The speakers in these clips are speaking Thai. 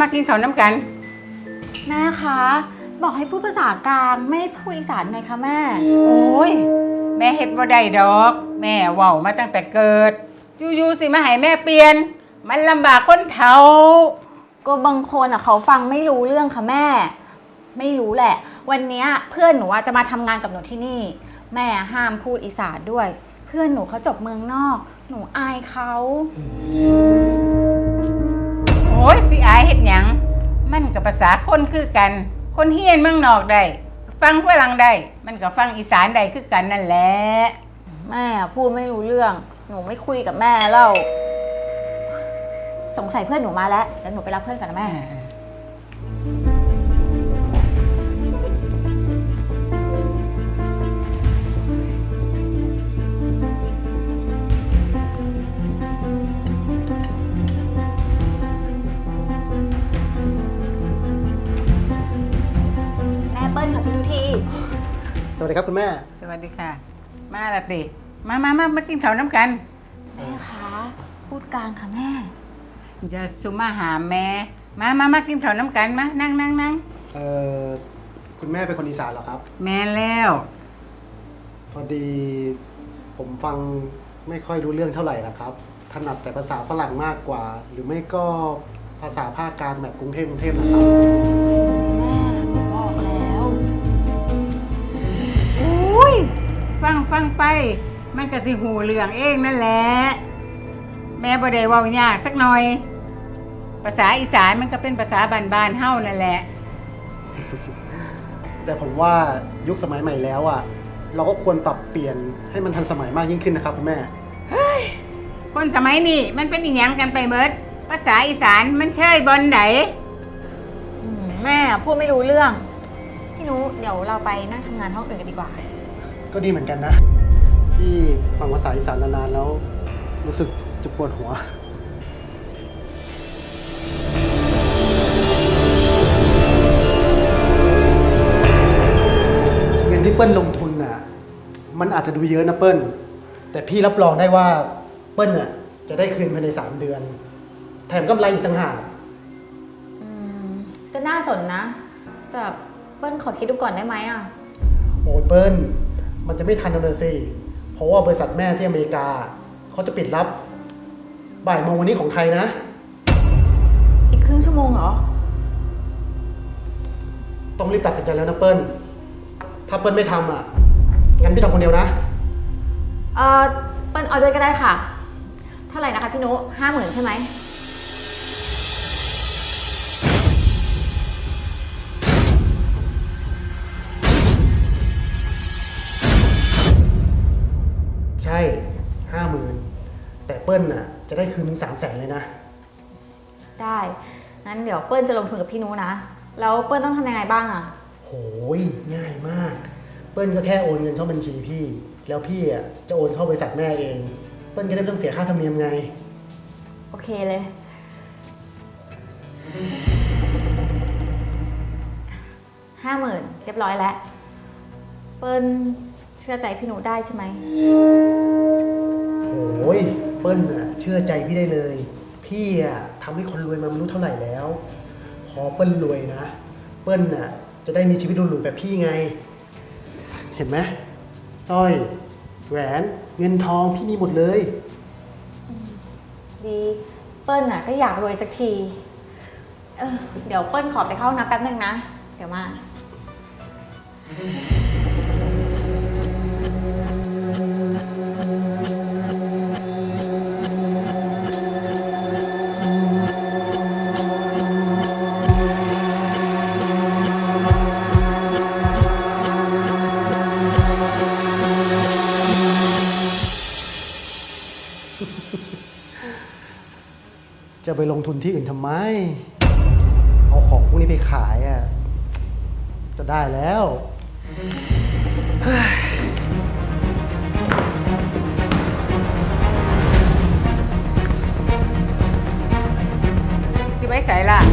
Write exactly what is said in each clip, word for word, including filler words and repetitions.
มากินข้าวน้ำกันแม่คะบอกให้พูดภาษากลางไม่พูดอีสานไงคะแม่โอ้ยแม่เฮ็ดบ่ได้ดอกแม่เว้ามาตั้งแต่เกิดอยู่ๆสิมาให้แม่เปลี่ยนมันลำบากคนเฒ่าก็บางคนอ่ะเขาฟังไม่รู้เรื่องค่ะแม่ไม่รู้แหละวันนี้เพื่อนหนูจะมาทำงานกับหนูที่นี่แม่ห้ามพูดอีสานด้วยเพื่อนหนูเขาจบเมืองนอกหนูอายเขาโอ้ยสิอายเฮ็ดหยังมันกับภาษาคนคือกันคนเฮียนเมืองนอกได้ฟังฝรั่งได้มันก็ฟังอีสานได้คือกันนั่นแหละแม่พูดไม่รู้เรื่องหนูไม่คุยกับแม่แล้วสงสัยเพื่อนหนูมาแล้วเดี๋ยวหนูไปรับเพื่อนกันนะแม่แม่เปิ้ลค่ะพี่ทุทีสวัสดีครับคุณแม่สวัสดีค่ะมาละสิมามามามากินข้าวน้ำกันแม่คะพูดกลางค่ะแม่จะสุมาหาแม่มามามากินข้าวน้ำกันมานั่งนั่งนั่งเอ่อคุณแม่เป็นคนอีสานเหรอครับแม่แล้วพอดีผมฟังไม่ค่อยรู้เรื่องเท่าไหร่นะครับถนัดแต่ภาษาฝรั่งมากกว่าหรือไม่ก็ภาษาภาคกลางแบบกรุงเทพกรุงเทพนะครับแม่บอกแล้วอุ้ยฟังฟังไปมันก็สิหูเรื่องเองนั่นแหละแม่บ่ได้เว้ายากสักหน่อยภาษาอีสานมันก็เป็นภาษาบ้านๆเฮานั่นแหละแต่ผมว่ายุคสมัยใหม่แล้วอ่ะเราก็ควรปรับเปลี่ยนให้มันทันสมัยมากยิ่งขึ้นนะครับคุณแม่เฮ้ยคนสมัยนี้มันเป็นอีหยังกันไปเบิดภาษาอีสานมันเชยบอนไหนแม่พูดไม่รู้เรื่องพี่นุเดี๋ยวเราไปนั่งทำงานห้องอื่นกันดีกว่าก็ดีเหมือนกันนะที่ฟังภาษาอีสานนานๆแล้วรู้สึกจะปวดหัวเงินที่เปิ้ลลงทุนน่ะมันอาจจะดูเยอะนะเปิ้ลแต่พี่รับรองได้ว่าเปิ้ลน่ะจะได้คืนภายในสามเดือนแถมกำไรอีกต่างหากก็น่าสนนะแต่เปิ้ลขอคิดดูก่อนได้ไหมอ่ะโอ้ยเปิ้ลมันจะไม่ทันแล้วสิเพราะว่าบริษัทแม่ที่อเมริกาเขาจะปิดรับบ่ายโมงวันนี้ของไทยนะอีกครึ่งชั่วโมงเหรอต้องรีบตัดสินใจแล้วนะเปิ้ลถ้าเปิ้ลไม่ทำอ่ะงั้นพี่ทำคนเดียวนะเออเปิ้ลเอาด้วยก็ได้ค่ะเท่าไหร่นะคะพี่นุห้าหมื่นใช่ไหมใช่ห้าหมื่นแต่เปิ้ลน่ะจะได้คืนถึงสามแสนเลยนะได้งั้นเดี๋ยวเปิ้ลจะลงทุนกับพี่นุนะแล้วเปิ้ลต้องทำยังไงบ้างอ่ะโหยง่ายมากเปิ้ลก็แค่โอนเงินเข้าบัญชีพี่แล้วพี่อ่ะจะโอนเข้าบริษัทแม่เองเปิ้ลก็ได้ไม่ต้องเสียค่าธรรมเนียมไงโอเคเลยห้าหมื่นเรียบร้อยแล้วเปิ้ลเชื่อใจพี่นุได้ใช่ไหมโอ้ยเปิ้ลอ่ะเชื่อใจพี่ได้เลยพี่อ่ะทำให้คนรวยมาไม่รู้เท่าไหร่แล้วพอเปิ้ลรวยนะเปิ้ลอ่ะจะได้มีชีวิตหรูๆแบบพี่ไงเห็นไหมสร้อยแหวนเงินทองพี่มีหมดเลยดีเปิ้ลน่ะก็อยากรวยสักทีเออเดี๋ยวเปิ้ลขอไปเข้าน้ำแป๊บนึงนะเดี๋ยวมาจะไปลงทุนที่อื่นทำไมเอาของพวกนี้ไปขายอ่ะจะได้แล้วสิไว้ใส่ล่ะ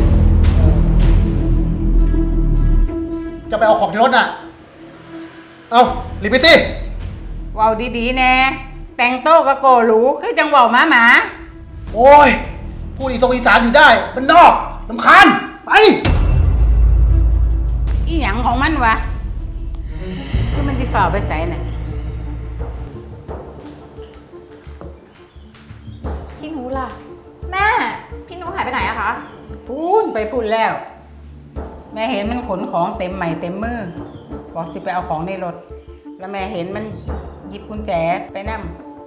จะไปเอาของที่รถอ่ะเอารีบไปสิว้าวดีๆแน่แต่งโต๊ะกะโกหรูคือจังหวะหมาหมาโอ้ยพูดอีสงอีสานอยู่ได้มันนอกลำคาญไปอีหยังของมันวะคือมันจะฝ่าไปใส่น่ะพี่หนูล่ะ แม่ พี่หนูหายไปไหนอะคะพูนไปพูนแล้ว แม่เห็นมันขนของเต็มใหม่เต็มมือบอกสิไปเอาของในรถ แล้วแม่เห็นมันหยิบกุญแจไปนั่ม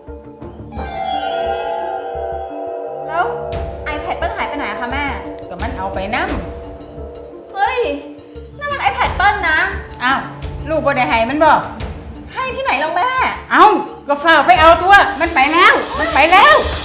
แล้ว iPad เปิ้ลหายไปไหนอะคะแม่ก็มันเอาไปนั่มเฮ้ยนั่นมัน iPad เปิ้ลนะอ้าวลูกบ่ได้ให้มันบอกให้ที่ไหนแล้วแม่เอ้าก็ฝ่าไปเอาตัว มันไปแล้ว มันไปแล้ว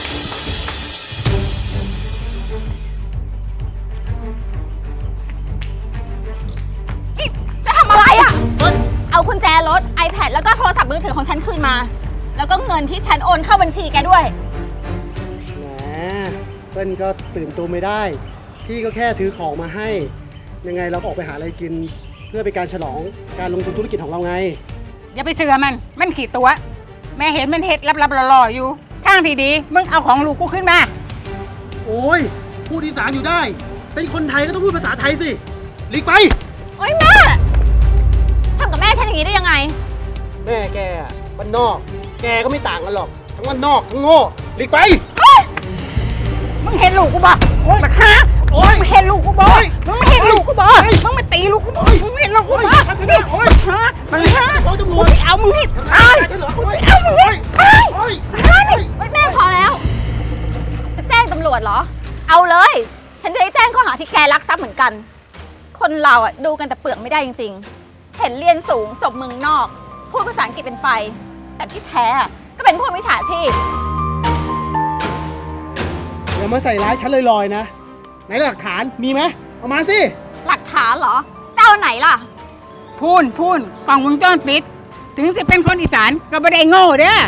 จะทำอะไรอะเปิ้ลเอากุญแจรถ iPad แล้วก็โทรศัพท์มือถือของฉันคืนมา แล้วก็เงินที่ฉันโอนเข้าบัญชีแกด้วยแหมเปิ้ลก็ตื่นตัวไม่ได้ พี่ก็แค่ถือของมาให้ ยังไงเราก็ออกไปหาอะไรกิน เพื่อเป็นการฉลองการลงทุนธุรกิจของเราไงอย่าไปเสือมัน มันขี่ตัว แม่เห็นมันเฮ็ดลับๆหล่อๆอยู่ทางที่ดี มึงเอาของลูกกูขึ้นมาโอ้ยพูดอีสานอยู่ได้ เป็นคนไทยก็ต้องพูดภาษาไทยสิหลีกไปโอ๊ยแม่ทำกับแม่ฉันอย่างนี้ได้ยังไงแม่แกอะบ้านนอก แกก็ไม่ต่างกันหรอก ทั้งบ้านนอกทั้งโง่หลีกไปมึงเห็นลูกกูบ่บักฮะโอ๊ยมึงเห็นลูกกูบ่โอ๊ยมึงไม่เห็นลูกกูบ่โอ๊ยมึงมาตีลูกกูบ่โอ๊ยมึงไม่เห็นลูกกูบ่โอ๊ยโอ๊ยโอ๊ยฮะบักฮะโอ๊ยตำรกูวจจะเอามึงให้ตายฉันเหรอกูโอ๊ยจะเอามึงให้ตายโอ๊ยฮะโอ๊ยเฮ้ยแม่พอแล้ว จะแจ้งตำรวจเหรอ เอาเลย ฉันจะได้แจ้งข้อหาที่แกลักทรัพย์เหมือนกัน คนเราอ่ะดูกันแต่เปลือกไม่ได้จริงๆ เห็นเรียนสูงจบเมืองนอก พูดภาษาอังกฤษเป็นไฟ แต่ที่แท้อะก็เป็นพวกมิจฉาชีพอย่ามาใส่ร้ายฉันลอยๆนะ ไหนหลักฐานมีไหมเอามาสิหลักฐานเหรอ เจ้าไหนล่ะพูนพูนกล่องวงจรปิด ถึงสิเป็นคนอีสานก็ไม่ได้โง่เด้อ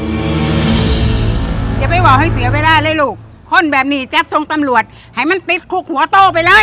อย่าไปบอกให้เสียเวลาเลยลูก คนแบบนี้จับส่งตำรวจ ให้มันติดคุกหัวโตไปเลย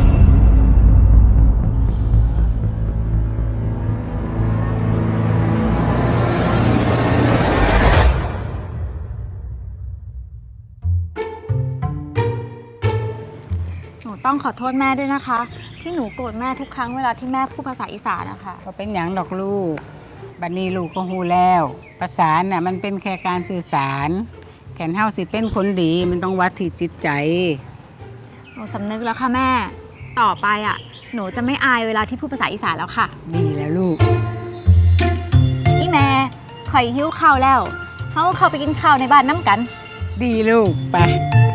หนูต้องขอโทษแม่ด้วยนะคะ ที่หนูโกรธแม่ทุกครั้งเวลาที่แม่พูดภาษาอีสานนะคะก็เป็นอย่างดอกลูก บัดนี้ลูกก็ฮู้แล้ว ภาษาน่ะมันเป็นแค่การสื่อสาร แขนเฮาสิเป็นคนดีมันต้องวัดที่จิตใจหนูสำนึกแล้วค่ะแม่ ต่อไปอ่ะ หนูจะไม่อายเวลาที่พูดภาษาอีสานแล้วค่ะดีแล้วลูกนี่แม่ข่อยหิ้วข้าวแล้วเขาเข้าไปกินข้าวในบ้านน้ำกันดีลูก ไป